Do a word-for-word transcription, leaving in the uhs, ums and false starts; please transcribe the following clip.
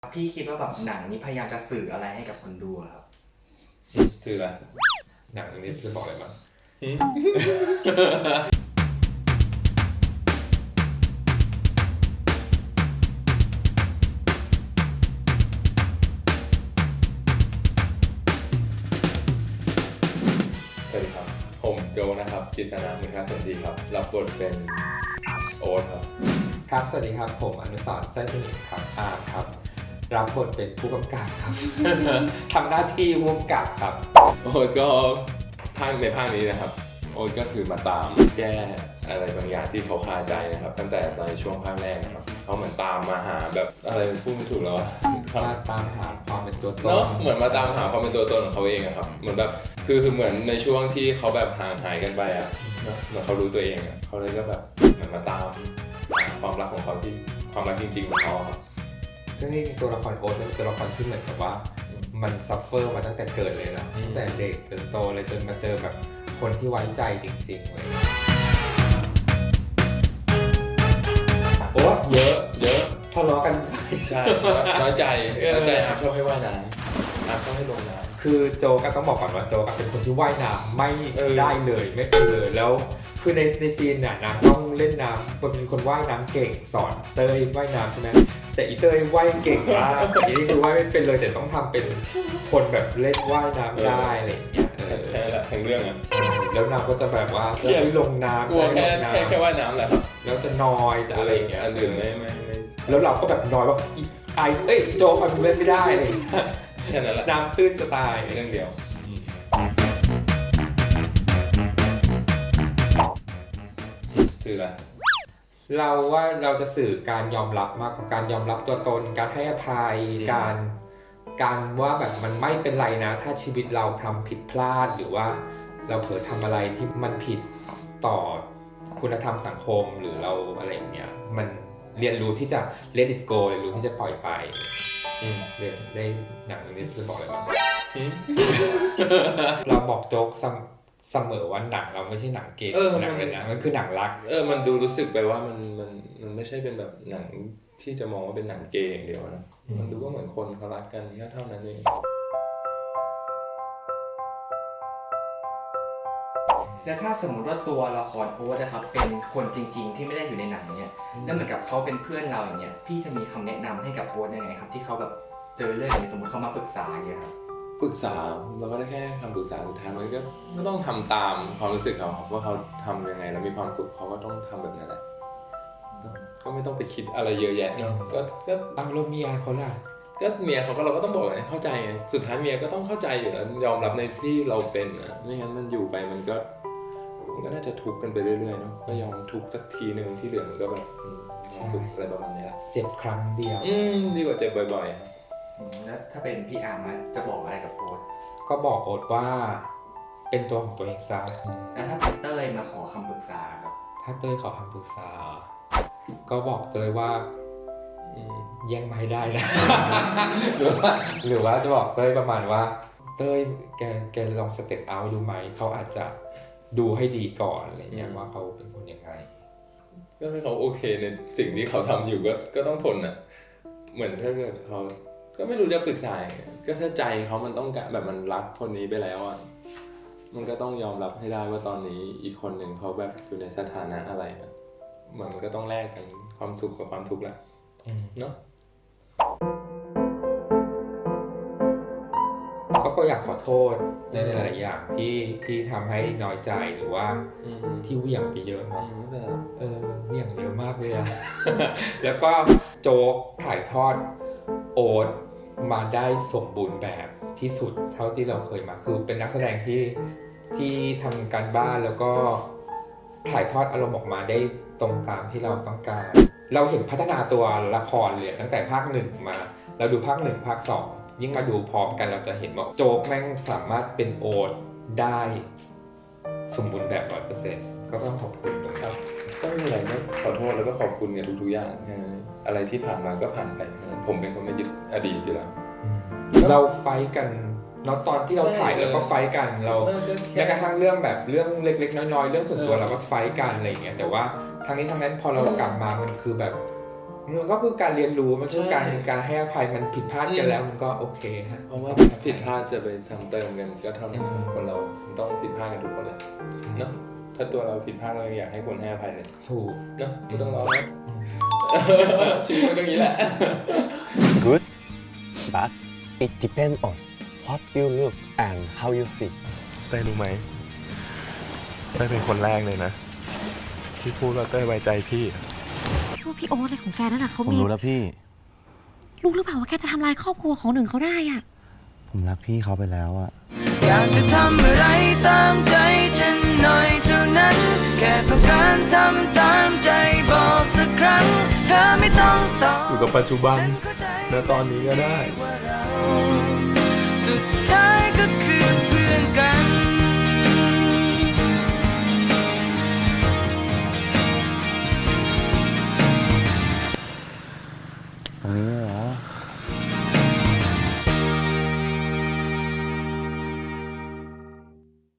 พี่คิดว่าแบบหนังนี้พยายามจะสื่ออะไรให้กับคนดูครับสื่ออะไรหนังนี้จะบอกอะไรบ้างสวัสดีครับผมโจนะครับจิตรนามุขสนธิครับรับบทเป็นโอ๊ตครับครับสวัสดีครับผมอนุสรณ์ไส้สนิทครับอาร์ครับรับบทเป็นผู้กำกับครับ ทำหน้าที่ผู้กำกับครับโอ๊ตก็ภาคในภาคนี้นะครับโอ๊ตก็คือมาตามแก้อะไรบางอย่างที่เขาคาใจนะครับตั้งแต่ตอนช่วงภาคแรกนะครับเขาเหมือนตามมาหาแบบอะไรพูดไม่ถูกแล้วมาตามหาความเป็นตัวตนเนาะเหมือนมาตามหาความเป็นตัวตนของเขาเองอะครับเหมือนแบบคือคือเหมือนในช่วงที่เขาแบบห่างหายกันไปอะเนาะเหมือนเขารู้ตัวเองอะเขาเลยก็แบบเหมือนมาตามหาความรักของเขาที่ความรักจริงๆของเขาครับซึ่งนี่ตัวละครโอ๊ตเป็นตัวละครที่เหมือนกับว่ามันซัฟเฟอร์มาตั้งแต่เกิดเลยนะตั้งแต่เด็กจนโตเลยจนมาเจอแบบคนที่ไว้ใจจริงๆเลยโอ้เยอะเยอะทะเลาะกันใช่น้อยใจน้อยใจอาร์ชอบให้ว่ายน้ำอาร์ชอบให้ลงน้ำคือโจก็ต้องบอกก่อนว่าโจก็เป็นคนที่ว่ายน้ำไม่ได้เลยไม่เป็นเลยแล้วคือในในซีนน่ะนางต้องเล่นน้ำเป็นคนว่ายน้ำเก่งสอนเต้ยว่ายน้ำใช่ไหมแต่อีเต้ยว่ายเก่งมากแต่นี่คือว่ายไม่เป็นเลยแต่ต้องทำเป็นคนแบบเล่นว่ายน้ำได้อะไรอย่างเงี้ยแค่ละทั้งเรื่องอ่ะแล้วนางก็จะแบบว่าจะลงน้ำกลัวแค่แค่แค่ว่ายน้ำแหละครับแล้วจะนอยจะอะไรอย่างเงี้ยอันอื่นไม่ไม่ไม่แล้วเราก็แบบนอยว่าไอเอ้ยโจมันเล่นไม่ได้เลยแค่นั้นแหละน้ำตื้นจะตายเรื่องเดียวสื่ออะไรเราว่าเราจะสื่อการยอมรับมากกว่าการยอมรับตัวตนการให้อภัยการการว่าแบบมันไม่เป็นไรนะถ้าชีวิตเราทำผิดพลาดหรือว่าเราเผลอทำอะไรที่มันผิดต่อคุณธรรมสังคมหรือเราอะไรอย่างเงี้ยมันเรียนรู้ที่จะ let it go เรียนรู้ที่จะปล่อยไปเรียนได้หนังเรื่องนี้จะบอกอะไรบ้างเราบอกโจ๊กเสมอว่าหนังเราไม่ใช่หนังเกย์หนังเลยนะมันคือหนังรักเออมันดูรู้สึกไปว่ามันมันมันไม่ใช่เป็นแบบหนังที่จะมองว่าเป็นหนังเกย์อย่างเดียวนะมันดูว่าเหมือนคนเขารักกันแค่เท่านั้นเองแล้วถ้าสมมติว่าตัวละครโอ๊ตนะครับเป็นคนจริงๆที่ไม่ได้อยู่ในหนังเนี่ยแล้วเหมือนกับเขาเป็นเพื่อนเราอย่างเงี้ยพี่จะมีคำแนะนำให้กับโอ๊ตยังไงครับที่เขาแบบเจอเรื่องอย่างนี้สมมติเขามาปรึกษาอย่างเงี้ยครับปรึกษาเราก็ได้แค่คำปรึกษาสุดท้ายมันก็ก็ต้องทำตามความรู้สึกเขาว่าเขาทำยังไงแล้วมีความสุขเขาก็ต้องทำแบบนั้นแหละก็ไม่ต้องไปคิดอะไรเยอะแยะเนาะก็ก็เอาเราเมียเขาล่ะก็เมียเขาก็เราก็ต้องบอกไงเข้าใจไงสุดท้ายเมียก็ต้องเข้าใจอยู่แล้วยอมรับในที่เราเป็นนะไม่งั้นมันอยู่ไปมันก็มันก็น่าจะทุกข์กันไปเรื่อยๆเนาะก็ยอมทุกข์สักทีนึงที่เหลือมันก็แบบความสุขอะไรประมาณนี้แหละเจ็บครั้งเดียวอืมดีกว่าเจ็บบ่อยๆแล้วถ้าเป็นพี่อาร์มจะบอกอะไรกับโอ๊ตก็บอกโอ๊ตว่าเป็นตัวของตัวเองซะแล้วถ้าเต้ยมาขอคำปรึกษาครับถ้าเต้ยขอคำปรึกษาก็บอกเต้ยว่าแย่งมาให้ได้นะหรือว่าหรือว่าจะบอกเต้ยประมาณว่าเต้ยแกแกลองสเต็ปเอาดูไหมเขาอาจจะดูให้ดีก่อนอะไรเงี้ยว่าเขาเป็นคนยังไงก็ให้เขาโอเคในสิ่งที่เขาทำอยู่ก็ก็ต้องทนอ่ะเหมือนถ้าเกิดเขาก็ไม่รู้จะปรึกษาก็ถ้าใจเขามันต้องการแบบมันรักคนนี้ไปแล้วอ่ะมันก็ต้องยอมรับให้ได้ว่าตอนนี้อีกคนหนึ่งเขาแบบอยู่ในสถานะอะไรเหมือนมันก็ต้องแลกกันความสุขกับความทุกข์แหละเนาะก็อยากขอโทษในหลายๆอย่างที่ที่ทำให้น้อยใจหรือว่าที่เหวี่ยงไปเยอะเนาะเออเหวี่ยงเยอะมากเลยอะแล้วก็โจ๊กถ่ายทอดโอ๊ตมาได้สมบูรณ์แบบที่สุดเท่าที่เราเคยมาคือเป็นนักแสดงที่ที่ทำการบ้านแล้วก็ถ่ายทอดอารมณ์ออกมาได้ตรงตามที่เราต้องการเราเห็นพัฒนาตัวละครเลยตั้งแต่ภาคหนึ่งมาเราดูภาคหนึ่งภาคสองยิ่งมาดูพร้อมกันเราจะเห็นว่าโจ๊กแม่งสามารถเป็นโอ๊ตได้สมบูรณ์แบบ ร้อยเปอร์เซ็นต์ ก็ต้องขอบคุณนะครับก็ไม่มีอะไรก็ขอโทษแล้วก็ขอบคุณในทุกๆอย่างอะไรที่ผ่านมาก็ผ่านไปผมเป็นคนไม่ยึดอดีตอยู่แล้วเราไฟกันเนาะตอนที่เราถ่ายแล้วก็ไฟกันเราแม้กระทั่งเรื่องแบบเรื่องเล็กๆน้อยๆเรื่องส่วนตัวเราก็ไฟกันอะไรอย่างเงี้ยแต่ว่าทั้งนี้ทั้งนั้นพอเรากลับมามันคือแบบมันก็คือการเรียนรู้มันคือการใช่การให้อภัยมันผิดพลาดกันแล้วมันก็โอเคฮะเพราะว่าผิดพลาดจะไปซ้ำเติมกันก็เท่านั้นคนเราต้องผิดพลาดกันทุกคนเลยเนาะถ้าตัวเราผิดพลาดเราอยากให้คนให้อภัยเลยถูกเนาะไม่ต้องร้องนะชีวิตมันก็อย่างนี้แหละ Good, but it depends on what you look and how you see. เต้ยรู้ไหมเต้ยเป็นคนแรกเลยนะ ที่พูดว่าเต้ยไว้ใจพี่พี่ว่าพี่โอ๊ตอะไรของแกนั่นน่ะเขาผมมีรู้แล้วพี่รู้หรือเปล่าว่าแกจะทำลายครอบครัวของหนึ่งเขาได้อ่ะผมรักพี่เขาไปแล้วอะอยากจะทำอะไรตามใจฉันหน่อยเท่านั้น แค่ต้องการทำตามใจบอกสักครั้ง เธอไม่ต้องตอบอยู่กับปัจจุบันฉันเข้าใจณตอนนี้ก็ได้ว่าเราสุดท้ายก็คือ